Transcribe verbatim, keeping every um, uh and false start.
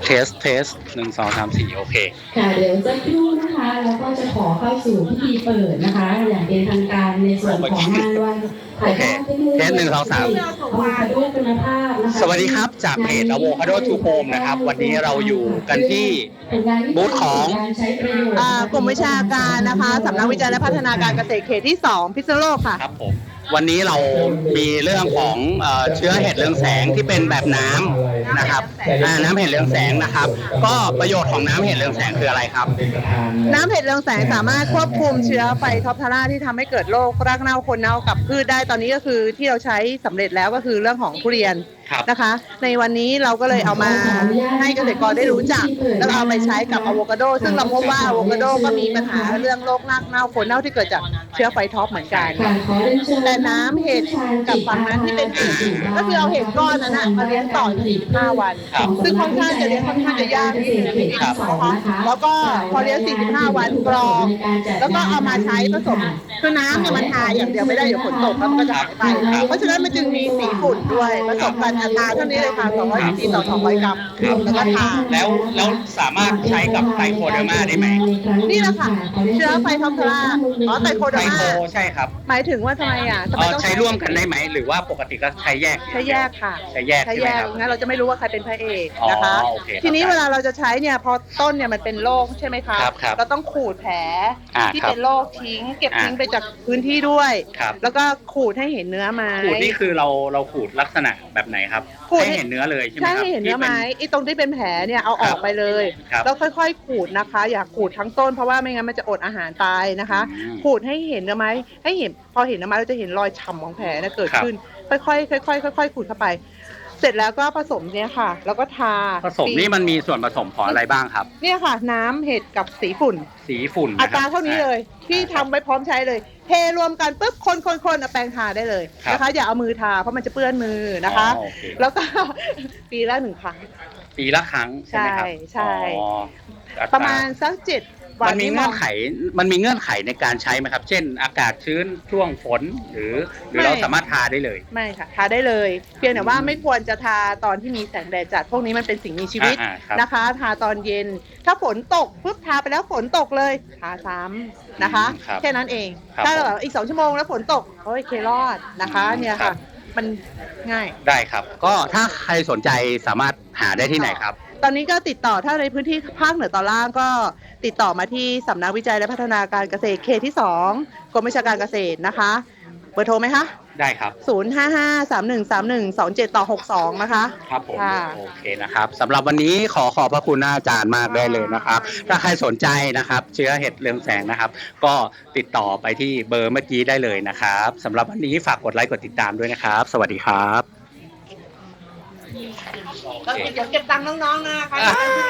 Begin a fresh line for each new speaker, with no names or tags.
เทสเทสหนึ่งสองสามสี่โอเค
ค่ะเดี๋ยวจะครู่นะคะแล้วก็จะขอเข้าสู่พิธีเปิดนะคะอย่างเป็นทางการในส่วนของงานวันถ่ายทอดเทคโนโลยี
เทสหนึ่งสองสามสวัสดีครับจากเพจ Avocado to Home นะครับวันนี้เราอยู่กันที่บูธของ
กลุ่มวิชาการนะคะสำนักวิจัยและพัฒนาการเกษตรเขตที่สองพิษณุโลกค่ะ
ครับผมวันนี้เรามีเรื่องของเชื้อเห็ดเรืองแสงที่เป็นแบบน้ำนะครับน้ำเห็ดเรืองแสงนะครับก็ประโยชน์ของน้ำเห็ดเรืองแสงคืออะไรครับ
น้ำเห็ดเรืองแสงสามารถควบคุมเชื้อไฟท็อปทาร่าที่ทำให้เกิดโรครากเน่าคนเน่ากับพืชได้ตอนนี้ก็คือที่เราใช้สำเร็จแล้วก็คือเรื่องของทุเรียนนะคะในวันนี้เราก็เลยเอามาให้เกษตรกรได้รู้จักแล้วเอาไปใช้กับอะโวคาโดซึ่งเราพบว่าอะโวคาโดก็มีปัญหาเรื่องโรครากเน่าคนเน่าที่เกิดจากเชื้อไฟท็อปเหมือนกันแต่น้ำเห็ดกับฝั่งนั้นที่เป็นอ่างก็คือเอาเห็ดก้อนนั้นมาเลี้ยงต่อสี่สิบห้าวันซึ่งค่อนข้างจะเลี้ยงค่อนข้างจะยากนิดนึงนะคะแล้วก็พอเลี้ยงสี่สิบห้าวันกรองแล้วก็เอามาใช้ผสมคือน้ำเนี่ยมันทาอย่างเดียวไม่ได้เดี๋ยวฝนตกแล้วมันก็จะหายไปเพราะฉะนั้นมันจึงมีสีฝุ่นด้วยผสมกันอัตราเท่านี้เลยค่ะสองร้อยซีซีต่อสองร้อยกรัมแล้วก็ทา
แล้วแล้วสามารถใช้กับไตโคเดอร์มาได้ไหม
นี่แหละค่ะเชื้อไฟท็อปทาร่าอ๋อไตโคเดอร์มา
ใช่ครับ
หมายถึงว่าทำไมอ่ะทำไมต้อง
ใช้ร่วมกันได้ไหมหรือว่าปกติก็ใช้แยก
ใช้แยกค่ะ
ใช้แยก
ใช้แยกงั้นเราจะไม่รู้ว่าใครเป็นพระเอกนะคะทีนี้เวลาเราจะใช้เนี่ยพอต้นเนี่ยมันเป็นโรคใช่ไหมคะเราต้องขูดแผลที่เป็นโรคทิ้งเก็บทิ้งไปจากพื้นที่ด้วยแล้วก็ขูดให้เห็นเนื้อไม้
ขูดนี่คือเราเราขูดลักษณะแบบไหนครับให้เห็นเนื้อเลยใช่ไหมครับ
ใช่ให้เห็นเนื้อไม้ไอ้ตรงที่เป็นแผลเนี่ยเอาออกไปเลยแล้วค่อยๆขูดนะคะอย่าขูดทั้งต้นเพราะว่าไม่งั้นมันจะอดอาหารตายนะคะขูดให้เห็นเนื้อไม้ให้เห็นพอเห็นเนื้อไม้เราจะเห็นรอยฉ่ำของแผลนะเกิดขึ้นค่อยๆค่อยๆค่อยๆขูดเข้าไปเสร็จแล้วก็ผสมเนี่ยค่ะแล้วก็ทา
ผสมนี่มันมีส่วนผสมของอะไรบ้างครับ
เนี่ยค่ะน้ำเห็ดกับสีฝุ่น
สีฝุ่น
อัตราเท่านี้เลยที่ทำไว้พร้อมใช้เลยเทรวมกันปุ๊บคนคนคนเอาแปรงทาได้เลยนะคะอย่าเอามือทาเพราะมันจะเปื้อนมือนะคะแล้วก็ปีละหนึ่งครั้ง
ปีละครั้งใช่ไหมครับ
ใช่ประมาณสักเจ็ด
มันมีเงื่อนไขมันมีเงื่อนไขในการใช้ไหมครับเช่นอากาศชื้นช่วงฝนหรือหรือเราสามารถทาได้เลย
ไม่ค่ะทาได้เลยเพียงแต่ว่าไม่ควรจะทาตอนที่มีแสงแดดจัดพวกนี้มันเป็นสิ่งมีชีวิตนะคะทาตอนเย็นถ้าฝนตกปุ๊บทาไปแล้วฝนตกเลยทาซ้ำนะคะแค่นั้นเองถ้าแบบอีกสองชั่วโมงแล้วฝนตกโอ้ยเครอดนะคะเนี่ยค่ะมันง่าย
ได้ครับก็ถ้าใครสนใจสามารถหาได้ที่ไหนครับ
ตอนนี้ก็ติดต่อถ้าในพื้นที่ภาคเหนือตอนล่างก็ติดต่อมาที่สำนักวิจัยและพัฒนาการเกษตรเขตที่สองกรมวิชาการเกษตรนะคะเบอร์โทรไหมคะ
ได้ครับ
ศูนย์ ห้า ห้า สาม หนึ่ง สาม หนึ่ง สอง เจ็ด ต่อ หก สองนะคะ
ครับผมโอเคนะครับสำหรับวันนี้ขอขอบพระคุณอาจารย์มากได้เลยนะครับถ้าใครสนใจนะครับเชื้อเห็ดเรืองแสงนะครับก็ติดต่อไปที่เบอร์เมื่อกี้ได้เลยนะครับสำหรับวันนี้ฝากกดไลค์กดติดตามด้วยนะครับสวัสดีครับ
เดี๋ยวเก็บตังค์น้องๆนะคะ